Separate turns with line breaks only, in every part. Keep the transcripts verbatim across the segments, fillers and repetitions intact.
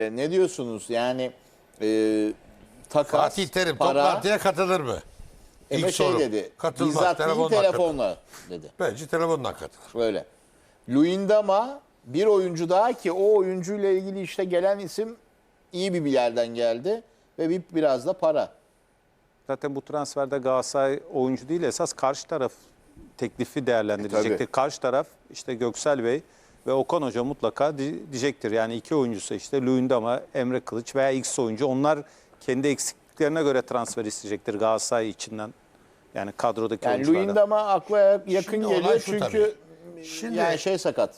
E, Ne diyorsunuz? Yani e, takas,
Fatih Terim
para,
toplantıya katılır mı?
Eme
İlk
şey
soru.
dedi.
Katılmaz.
Bizzat değil
Telefonla
telefonla dedi.
Bence telefonla katılır.
Öyle. Luyendama bir oyuncu daha ki o oyuncuyla ilgili işte gelen isim iyi bir yerden geldi ve bir, biraz da para.
Zaten bu transferde Galatasaray oyuncu değil, esas karşı taraf teklifi değerlendirecektir.
E, tabii.
Karşı taraf işte Göksel Bey ve Okan Hoca mutlaka di- diyecektir. Yani iki oyuncusu işte Luyendama, Emre Kılıç veya X oyuncu. Onlar kendi eksikliklerine göre transfer isteyecektir Galatasaray içinden. Yani kadrodaki
Yani
oyunculardan.
Luyendama akla yakın
Şimdi olay
geliyor
şu
çünkü
Şimdi-
yani şey sakat.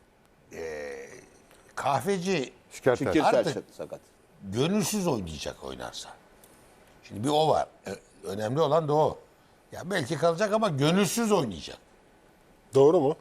Kahveci
Şikayetler.
Şikirter
Artık-
sakat.
gönülsüz oynayacak oynarsa. Şimdi bir o var. Ö- Önemli olan da o. Ya belki kalacak ama gönülsüz oynayacak.
Doğru mu?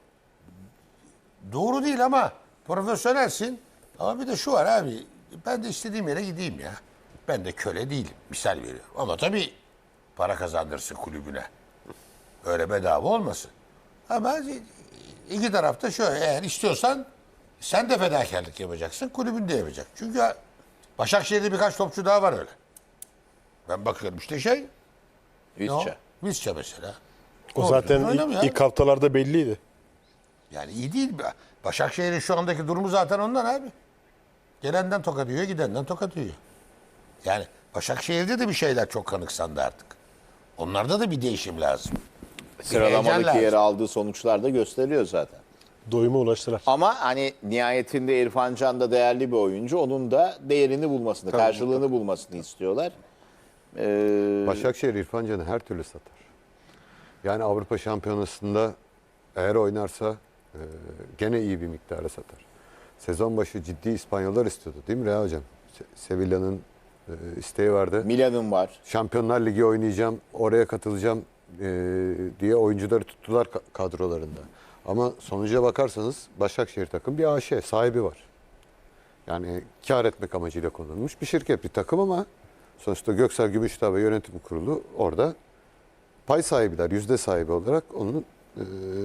Doğru değil ama profesyonelsin. Ama bir de şu var abi. Ben de istediğim yere gideyim ya. Ben de köle değilim. Misal veriyorum. Ama tabii para kazandırsın kulübüne. Öyle bedava olmasın. Ama iki tarafta şöyle. Eğer istiyorsan sen de fedakarlık yapacaksın. Kulübün de yapacak. Çünkü Başakşehir'de birkaç topçu daha var öyle. Ben bakıyorum işte şey. ne o?
Visca.
Visca mesela.
O
Doğru
zaten
düzgün oynamıyor
ilk, ilk haftalarda belliydi.
Yani iyi değil. Başakşehir'in şu andaki durumu zaten ondan abi. Gelenden tokat yiyor, gidenden tokat yiyor. Yani Başakşehir'de de bir şeyler çok kanıksandı artık. Onlarda da bir değişim lazım. Bir heyecan
Sıralamadaki
lazım.
yeri aldığı sonuçlar da gösteriyor zaten.
Doyuma ulaştılar.
Ama hani nihayetinde İrfan Can da değerli bir oyuncu. Onun da değerini bulmasını, karşılığını bulmasını istiyorlar. Ee,
Başakşehir İrfan Can'ı her türlü satar. Yani Avrupa Şampiyonası'nda eğer oynarsa e, gene iyi bir miktara satar. Sezon başı ciddi İspanyollar istiyordu değil mi Reha Hocam? Se- Sevilla'nın e, isteği vardı.
Milan'ın var.
Şampiyonlar Ligi oynayacağım, oraya katılacağım e, diye oyuncuları tuttular ka- kadrolarında. Ama sonuca bakarsanız Başakşehir takım bir A Ş, sahibi var. Yani kar etmek amacıyla konulmuş bir şirket, bir takım ama sonuçta Göksel Gümüşdağ ve yönetim kurulu orada pay sahibiler, yüzde sahibi olarak onun e,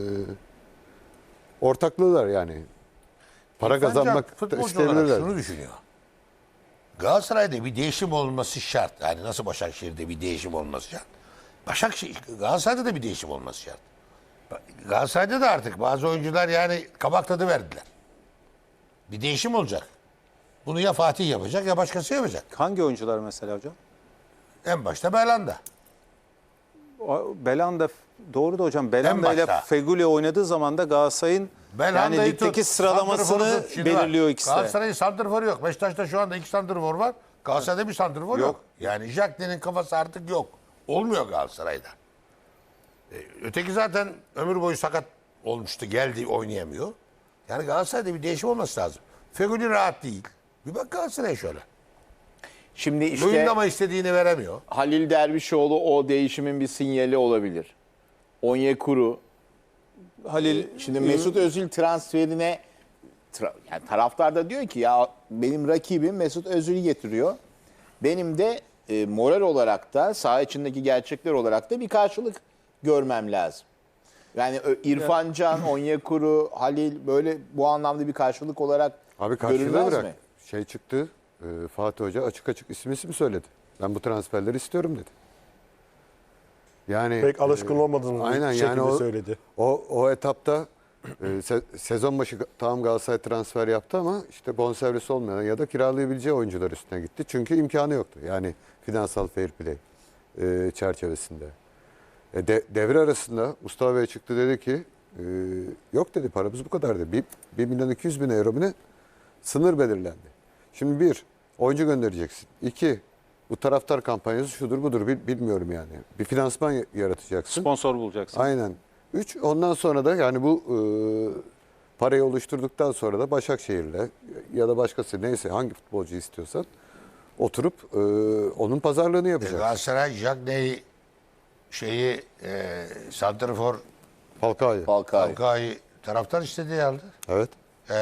ortaklığılar yani. Para
İrfan Can
kazanmak da
futbolcu olarak
isteyebilirler.
şunu düşünüyor. Galatasaray'da bir değişim olması şart. Yani nasıl Başakşehir'de bir değişim olması şart. Başakşehir, Galatasaray'da da bir değişim olması şart. Galatasaray'da da artık bazı oyuncular yani kabak tadı verdiler. Bir değişim olacak. Bunu ya Fatih yapacak ya başkası yapacak.
Hangi oyuncular mesela hocam?
En başta Belanda.
O- Belanda doğru da hocam. Belanda ile
başta.
Feguli oynadığı zaman da Galatasaray'ın yani
Belanda'yı
ligdeki
tut,
sıralamasını
santrforu tut. Şimdi
belirliyor
bak,
ikisi de.
Galatasaray'ın santrforu yok. Beşiktaş'ta şu anda iki santrfor var. Galatasaray'da bir santrfor yok.
Yok.
Yani Jacklin'in kafası artık yok. Olmuyor Galatasaray'da. Ee, öteki zaten ömür boyu sakat olmuştu. Geldi oynayamıyor. Yani Galatasaray'da bir değişim olması lazım. Feguli rahat değil. Bir bak Galatasaray'a şöyle.
Şimdi işte
Oyunda ama istediğini veremiyor.
Halil Dervişoğlu o değişimin bir sinyali olabilir. Onyekuru.
Halil
Şimdi Mesut Özil transferine tra- yani taraftar da diyor ki ya benim rakibim Mesut Özil'i getiriyor. Benim de e, moral olarak da saha içindeki gerçekler olarak da bir karşılık görmem lazım. Yani Ö- İrfan Can, Onyekuru, Halil böyle bu anlamda bir karşılık olarak
Abi karşılığı
görülmez
bırak.
mi?
Şey çıktı, e, Fatih Hoca açık açık isim isim söyledi. Ben bu transferleri istiyorum dedi. Yani
Pek alışkın olmadığını
aynen
şekilde
yani o,
söyledi.
O, o etapta e, se- sezon başı tamam Galatasaray transfer yaptı ama işte bonservisi olmayan ya da kiralayabileceği oyuncular üstüne gitti. Çünkü imkanı yoktu. Yani finansal fair play e, çerçevesinde. E, de, devre arasında Mustafa Bey çıktı dedi ki e, yok dedi paramız bu kadar dedi. Bir, bir milyon iki yüz bin euro mu ne? Sınır belirlendi. Şimdi bir, oyuncu göndereceksin. İki, bu taraftar kampanyası şudur budur bil- bilmiyorum yani. Bir finansman y- yaratacaksın.
sponsor bulacaksın.
Aynen. Üç, ondan sonra da yani bu e, parayı oluşturduktan sonra da Başakşehir'le ya da başkası neyse hangi futbolcu istiyorsan oturup e, onun pazarlığını
E,
yapacaksın.
Galatasaray Jacklin'i şeyi e, santrfor
Falcao'yu.
Falcao.
Falcao'yu taraftar istediği aldı.
Evet.
E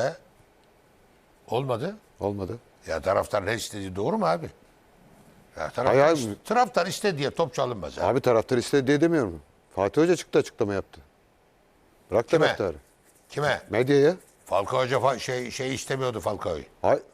olmadı.
Olmadı.
Ya taraftar ne istediği doğru mu abi? Ya taraftar,
Hayır, hayır.
ist- taraftar istedi diye top çalınmaz abi.
Abi taraftar istedi diye demiyorum. Fatih Hoca çıktı açıklama yaptı. Bırak
Kime?
taraftarı.
Kime?
Medyaya.
Falcao Hoca fa- şey, şey istemiyordu Falcao'yu.
Hay-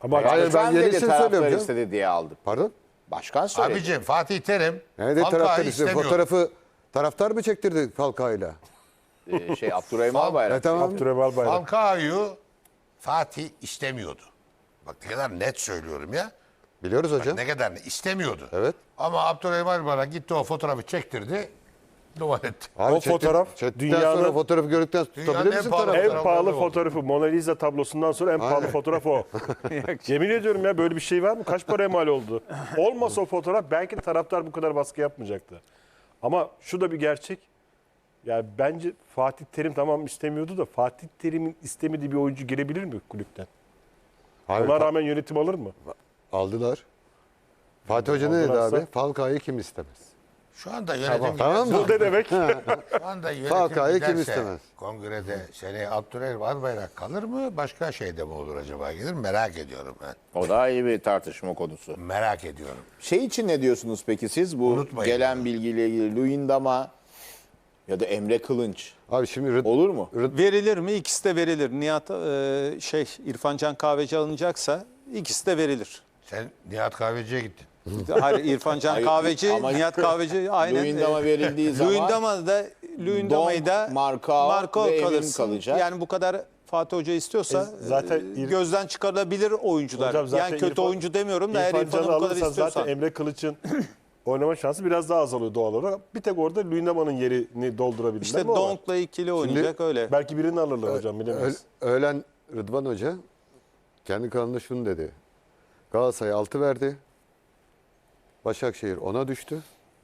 Ama
Hayır, ben
Başkan dedi,
yenisini
taraftar
söylüyorum canım.
istedi diye aldım.
Pardon?
Başkan söyledi.
Abicim Fatih Terim
Yani de
Falcao'yu
taraftar işte
istemiyordu.
fotoğrafı taraftar mı çektirdi Falcao'yla?
Ee, şey Abdurrahim
Fal-
Albayrak.
E tamam.
Abdurrahim Albayrak.
Falcao'yu Fatih istemiyordu. Bak ne kadar net söylüyorum ya.
Biliyoruz hocam.
Ne kadar net istemiyordu.
Evet.
Ama Abdurrahim Albayrak gitti o fotoğrafı çektirdi. Duvar etti.
Abi
O
çekti-
fotoğraf
çektikten
dünyanın-
sonra fotoğrafı gördükten
Dünyanın
tutabilir
en
misin
pahalı
taraftarı?
En
fotoğrafları
pahalı
oldu.
fotoğrafı Mona Lisa tablosundan sonra en pahalı fotoğraf o. Yemin ediyorum ya, böyle bir şey var mı? Kaç paraya mal oldu? Olmasa o fotoğraf belki de taraftar bu kadar baskı yapmayacaktı. Ama şu da bir gerçek. Yani bence Fatih Terim tamam istemiyordu da Fatih Terim'in istemediği bir oyuncu girebilir mi kulüpten?
Hayır,
Ona
fa-
rağmen yönetim alır mı?
aldılar. Fatih Hoca ne dedi
Aldılarsa-
abi? Falcao'yu kim istemez?
Şu anda yönetim
Tamam mı?
Bu ne demek?
Şu anda yönetim
Falcao'yu kim
giderse
istemez?
kongrede seneye Abdurrahim Albayrak kalır mı? Başka şeyde mi olur acaba gelir? Merak ediyorum ben.
O da iyi bir tartışma konusu.
Merak ediyorum.
Şey için ne diyorsunuz peki siz? Bu
Unutmayın
gelen
bunu.
bilgiyle ilgili Luyendama ya da Emre Kılınç
Abi şimdi Rıd-
olur mu?
Verilir mi? İkisi de verilir. Nihat e, şey İrfan Can Kahveci alınacaksa ikisi de verilir.
Sen Nihat Kahveci'ye gittin.
Hayır, İrfan Can
Hayır,
Kahveci,
ama-
Nihat Kahveci aynen.
Luyendama
e,
verildiği zaman
Luyendama da Luyendama'yı da
Donk, Marcao ve Evin
kalırsın.
kalacak.
Yani bu kadar Fatih Hoca istiyorsa
E, zaten
e,
İr-
gözden çıkarılabilir oyuncular.
Hocam zaten
Yani kötü
İrfan-
oyuncu demiyorum da eğer
İrfan
İrfan'ı
Can'ı
bu kadar
alırsan
istiyorsan.
zaten Emre Kılıç'ın oynama şansı biraz daha azalıyor doğal olarak. Bir tek orada Luyendama'nın yerini doldurabilirler
İşte
mi o var?
Donk'la ikili oynayacak öyle.
Belki birini alırlar hocam, bilemeyiz.
Ö- öğlen Rıdvan Hoca kendi kanalında şunu dedi. Galatasaray altı verdi. Başakşehir ona düştü.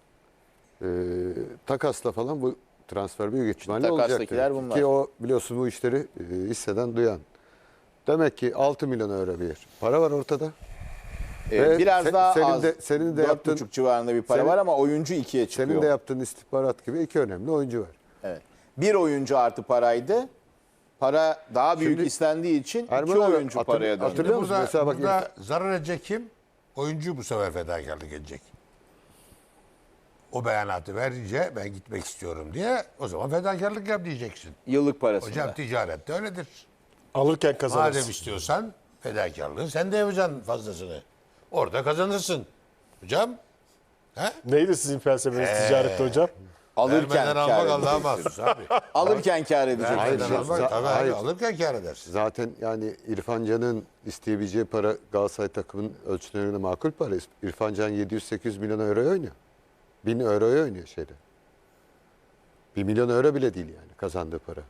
Ee, takasla falan bu transfer büyük ihtimalle olacak.
takastakiler
dedi.
bunlar.
Ki o biliyorsun bu işleri e, hisseden duyan. Demek ki altı milyon euro bir para var ortada.
Ee,
Ve
biraz
se-
daha
senin
az.
de- senin de
dört
yaptığın-
buçuk civarında bir para
senin-
var ama oyuncu ikiye çıkıyor.
Senin de yaptığın istihbarat gibi iki önemli oyuncu var.
Evet. Bir oyuncu artı paraydı. Para daha büyük
Şimdi-
istendiği için
Erman
iki
abi,
oyuncu
hatır-
paraya döndü.
hatırlıyor musun?
Burada,
Mesela bak
burada zarar edecek kim? Oyuncu bu sefer fedakarlık edecek. O beyanatı verince ben gitmek istiyorum diye o zaman fedakarlık yap diyeceksin.
Yıllık parasında.
Hocam ticarette öyledir.
Alırken kazanırsın.
Madem istiyorsan fedakarlığı sen de yapacaksın fazlasını. Orada kazanırsın. Hocam he?
Neydi sizin felsefeniz ticarette hocam?
alırken
Vermeden
kar
almak Allah'a
edeceksin.
mahsus abi.
Alırken kar edeceksin.
Vermeden
Hayır,
almak
za-
tabii
hayır.
abi, alırken kar edersin.
Zaten yani İrfan Can'ın isteyebileceği para Galatasaray takımının ölçülerine makul para. İrfan Can yedi yüz sekiz yüz milyon euro oynuyor. bin euroya oynuyor şeyde. bir milyon euro bile değil yani kazandığı para.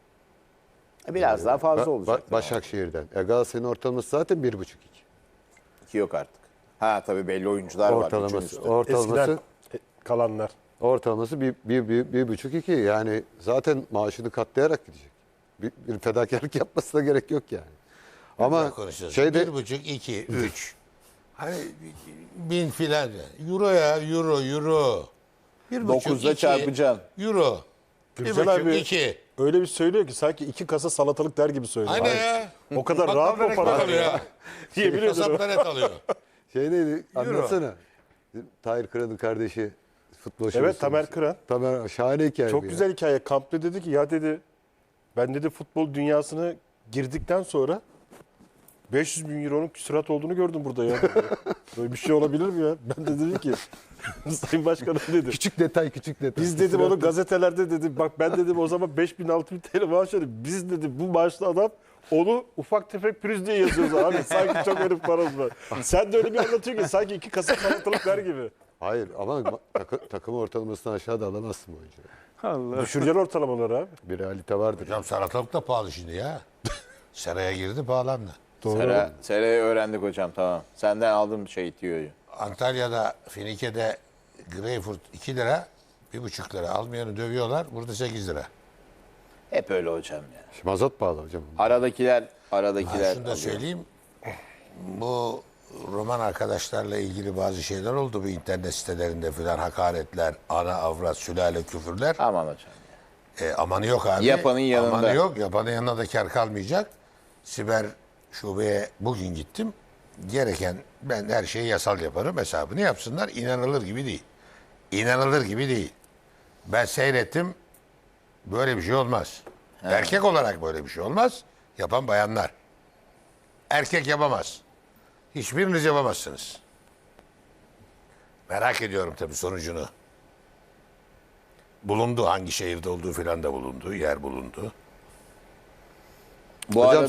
Biraz daha fazla
Ba-
olacak.
Ba- Başakşehir'den. E Galatasaray'ın ortalaması zaten bir buçuk iki.
İki yok artık. Ha tabii belli oyuncular var. üçün
Ortalaması,
üstü.
ortalaması,
Eskiden e, kalanlar.
ortalaması bir, bir, bir, bir buçuk iki. Yani zaten maaşını katlayarak gidecek. Bir, bir fedakarlık yapmasına gerek yok yani. Ama
Konuşacağız.
şeyde
Bir buçuk, iki, üç. Hani bin filan. Euro ya, euro, euro. Bir buçuk,
Dokuzla
iki,
çarpacaksın.
Euro. Bir
Gürcan
buçuk,
abi
iki.
öyle bir söylüyor ki sanki iki kasa salatalık der gibi söylüyor.
Aynen
Hayır.
ya.
O kadar
Bak,
rahat
bak,
mı para
bak,
alıyor?
ya.
Yemin ediyorum.
Kasaplar et alıyor.
şey neydi anlatsana. Tahir Kıran'ın kardeşi futbol şovası.
Evet, Tamer Kıran.
Tamer şahane hikaye.
Çok
bu ya.
güzel hikaye. Kampta dedi ki ya dedi ben dedi futbol dünyasına girdikten sonra beş yüz bin euronun küsurat olduğunu gördüm burada ya. Böyle bir şey olabilir mi ya? Ben de dedim ki Sayın Başkanım dedim.
Küçük detay küçük detay.
Biz dedim onu gazetelerde dedim bak ben dedim o zaman beş bin altı bin T L maaş ödedim. Biz dedim bu maaşlı adam onu ufak tefek pürüz diye yazıyoruz abi. Sanki çok herif paramız var. Sen de öyle bir anlatıyorsun ki sanki iki kasa salatalık ver gibi.
Hayır ama takı- takım ortalamasını aşağıda alamazsın bu oyuncuyu.
Allah.
Düşüreceksin ortalamaları abi.
Bir realite vardır.
Hocam salatalık da pahalı şimdi ya. Seraya girdi pahalandı.
Sera, Sera'yı öğrendik hocam tamam. Senden aldım şey tiyoyu.
Antalya'da, Finike'de greyfurt iki lira, bir buçuk lira. Almayanı dövüyorlar. Burada sekiz lira.
Hep öyle hocam ya.
Şimdi mazot pahalı hocam.
Aradakiler,
Ha,
aradakiler.
şunu da
alıyor.
söyleyeyim. Bu Roman arkadaşlarla ilgili bazı şeyler oldu bu internet sitelerinde filan hakaretler, ana avrat, sülale küfürler.
Aman hocam.
E, amanı yok abi.
Yapanın yanında.
Amanı yok. Yapanın yanında da kar kalmayacak. Siber şubeye bugün gittim. Gereken ben her şeyi yasal yaparım hesabını yapsınlar. İnanılır gibi değil. İnanılır gibi değil. Ben seyrettim. Böyle bir şey olmaz. Erkek olarak böyle bir şey olmaz. Yapan bayanlar. Erkek yapamaz. Hiçbiriniz yapamazsınız. Merak ediyorum tabii sonucunu. Bulundu, hangi şehirde olduğu filan da bulundu, yer bulundu.
Bu
Hocam
arada